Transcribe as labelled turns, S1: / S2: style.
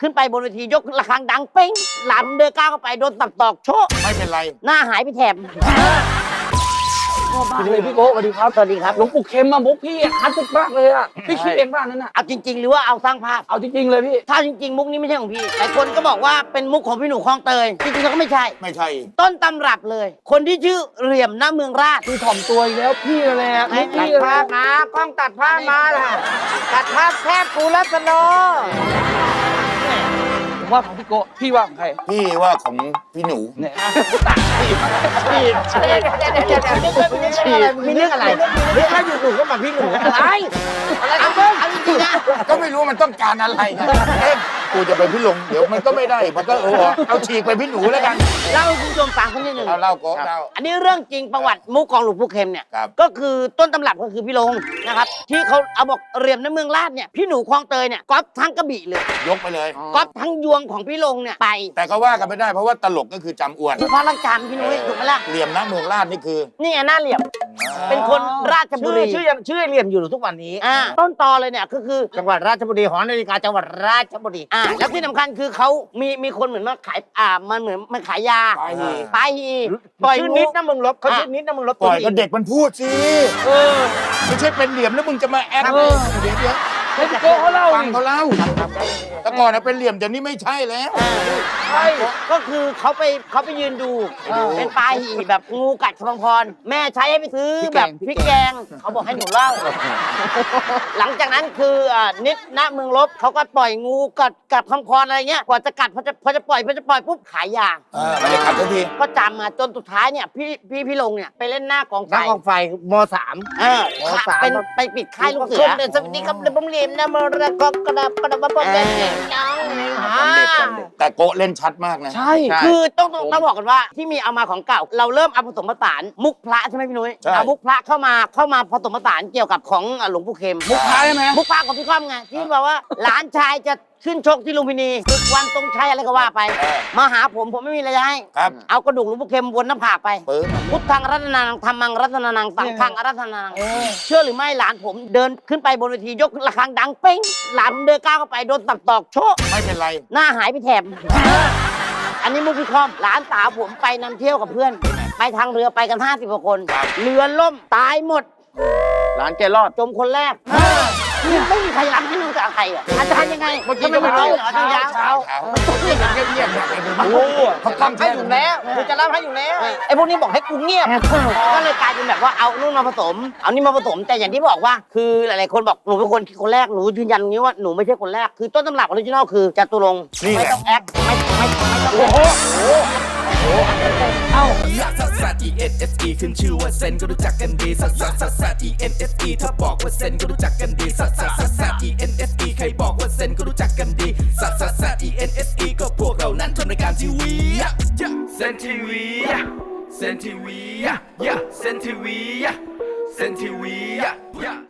S1: ขึ้นไปบนเวทียกระฆังดังเป้งหลานผมเดินก้าวเข้าไปโดนตักตอกโชะ
S2: ไม่เป็นไร
S1: หน้าหายไปแถบ
S3: สวัสดีพี่โก้สวัสดีครับ
S1: สวัสดีครับ
S3: หลวงปู่เข็มมามุกพี่คลาสสิกมากเลยอ่ะพี่คิดเองป่ะนั่นน่ะ
S1: เอาจริง ๆ หรือว่าเอาสร้างภาพ
S3: เอาจริงๆเลยพี่
S1: ถ้าจริง ๆ มุกนี้ไม่ใช่ของพี่หลายคนก็บอกว่าเป็นมุกของพี่หนูคลองเตยจริงๆแล้วก็ไม่ใช่
S2: ไม่ใช่
S1: ต้นตำรับเลย คนที่ชื่อเหลี่ยมหน้าเมืองราช
S3: คือถ่อมตัวอีกแล้วพี่นั่นแหละ
S1: ตัด
S3: พี่
S1: ภาพมากล้องตัดภาพมาล่ะตัดภาพแคบกูรัตโน
S3: ผมว่าของพี่โก้พี่ว่าของใคร
S2: พี่ว่าของพี่หนู
S3: เนี่ย
S1: มีเรื่องอะไรเรื่องอะไรอยู่หนูก็มาพี่หนูอะไรเอาเบิ้งเอาจริงๆนะ
S2: ก็ไม่รู้มันต้องการอะไรไงเอ๊ะกูจะไปพี่หลงเดี๋ยวมันก็ไม่ได้มันก็เอาฉีกไปพี่หนูแล้วกัน
S1: เล่าให้คุณผู้ชมฟังสักนิดหนึ่ง
S2: เอาเล่าโก้เล่า
S1: อันนี้เรื่องจริงประวัติมุกของหลวงปู่เข็มเนี่ย
S2: ครับ
S1: ก็คือต้นตำรับก็คือพี่ลงนะครับที่เขาเอาบอกเหลี่ยมหน้าเมืองราชเนี่ยพี่หนูคลองเตยเนี่ยก๊อปทั้งกระบี่เลย
S2: ยกไปเลย
S1: ก๊อปทั้งยวงของพี่ลงเนี่ยไป
S2: แต่ก็ว่ากันไม่ได้เพราะว่าตลกก็คือจำอ้วน
S1: พระรักจานพี่นุ้ยถูกไหมล่ะ
S2: เหลี่ยมนะเมืองราชนี่คือ
S1: นี่ไงหน้าเหลี่ยม เป็นคนราชบุรี
S4: ชื่อเหลี่ยมอยู่ทุกวันนี้
S1: ต้นตอเลยเนี่ยก็คือ
S4: จังหวัดราชบุรีหอนาฬิกาจังหวัดราชบุรี
S1: แล้วที่สำคัญคือเขามีคนเหมือนมาขายมันเหมือนมันขายยา
S2: ปลาหี
S1: ปลาหีปล่อย
S4: ชื่อ
S1: งู
S4: นิดนะมึงลบเขาชื่อนิดนะมึงลบ
S2: ปล่อยก็เด็กมันพูดสิไม่ใช่เป็นเหลี่ยมแล้วมึงจะมาแอคเดี๋ยว
S3: ให้พี่โก้เขาเล่า
S2: ฟัง
S3: ดิ
S2: เขาเล่าแต่ก่อนนะเป็นเหลี่ยมแต่นี่ไม่ใช่แล้ว
S3: ใช่
S1: ก็คือเขาไปยืนดู เป็นปลาหีแบบงูกัดคลองพรแม่ใช้ให้ไปซื้อแบบพริกแกงเขาบอกให้หนูเล่า หลังจากนั้นคือนิดณเมืองลบเขาก็ปล่อยงูกัดคลองพรอะไรเงี้ยกว่าจะกัดพอจะปล่อยปุ๊บขายยา
S2: ไม่ได้ขัดทันที
S1: ก็จำมาจนสุดท้ายเนี่ยพี่ลงเนี่ยไปเล่นหน้ากองไฟ
S4: นักกองไฟมสาม
S1: ค่ะเป็นไปปิดค่ายลูกเสือ
S4: สวัสดีครับเดบมเลียมนะมรกกระดับมาบอกกันน้อง
S2: แต่โกะเล่นชัดมากนะ
S3: ใช่
S1: คือต้องบอกกันว่าที่มีเอามาของเก่า เราเริ่มเอาผสมผสานมุกพระใช่ไหมพี่นุ้ย
S2: ใช่
S1: เอามุกพระเข้ามาผสมผสานเกี่ยวกับของหลวงปู่เข็ม
S3: มุกท้ายใช่ไหม
S1: มุกพระของพี่ก้อมไงที่บอกว่าหลานชายจะขึ้นชกที่ลุมพินีศึกวันตรงชัยอะไรก็ว่าไป มาหาผมไม่มีอะไรจะให้
S2: ครับ
S1: เอากระดูกหลวงปู่เข็มวนหน้าผากไป
S2: ปึ๊บ
S1: พุทธังรัตนานังธรรมังรัตนานังสังฆังรัตนานังเชื่อหรือไม่หลานผมเดินขึ้นไปบนเวทียกระฆังดังเป้งหลานผมเดินก้าวเข้าไปโดนตักตอกโชะ
S2: ไม่เป็นไร
S1: หน้าหายไปแถบ อันนี้มุกพี่คอมหลานสาวผมไปนำเที่ยวกับเพื่อน ไปทางเรือไปกัน50กว่าคน เรือล่มตายหมด
S4: ร้านแกรอด
S1: จมคนแรกไม่มีใครรับให้นึงกับใครอ่ะอาจารย์ยังไง
S2: เมื่อกี้
S1: ทำไม
S2: ก็
S1: ไม่
S2: ไม่
S1: เอา
S2: รู้
S1: เหรออาจารย์ยาว
S2: เช้าเงียบๆเนี่ย
S4: โอ้
S2: เขาตั้ง
S4: ให้อยู่แล้วกูจะรับให้อยู่แล้วไอ้พวกนี้บอกให้กูเงียบ
S1: ก็เลยกลายเป็นแบบว่าเอานู่นมาผสม เอานี่มาผสม แต่อย่างที่บอกว่าคือหลายๆคนบอกหนูเป็นคนแรกหนูยืนยันอย่างนี้ว่าหนูไม่ใช่คนแรกคือต้นตำรับออริจินอลคือจตุรงค์
S2: นี่แห
S1: ไม่
S2: ละ
S1: ต้องแอคไม่ต้อง
S2: โอ้โห
S5: ลักซัสซัส E N S E ขึ้นชื่อว่าเซนก็รู้จักกันดีซัสซัสซัสซัส E N S E ถ้าบอกว่าเซนก็รู้จักกันดีซัสซัสซัสซัส E N S E ใครบอกว่าเซนก็รู้จักกันดีซัสซัสซัส E N S E ก็พวกเรานั้นทำรายการทีวีเซนทีวีเซนทีวีเซนทีวีเซนทีวี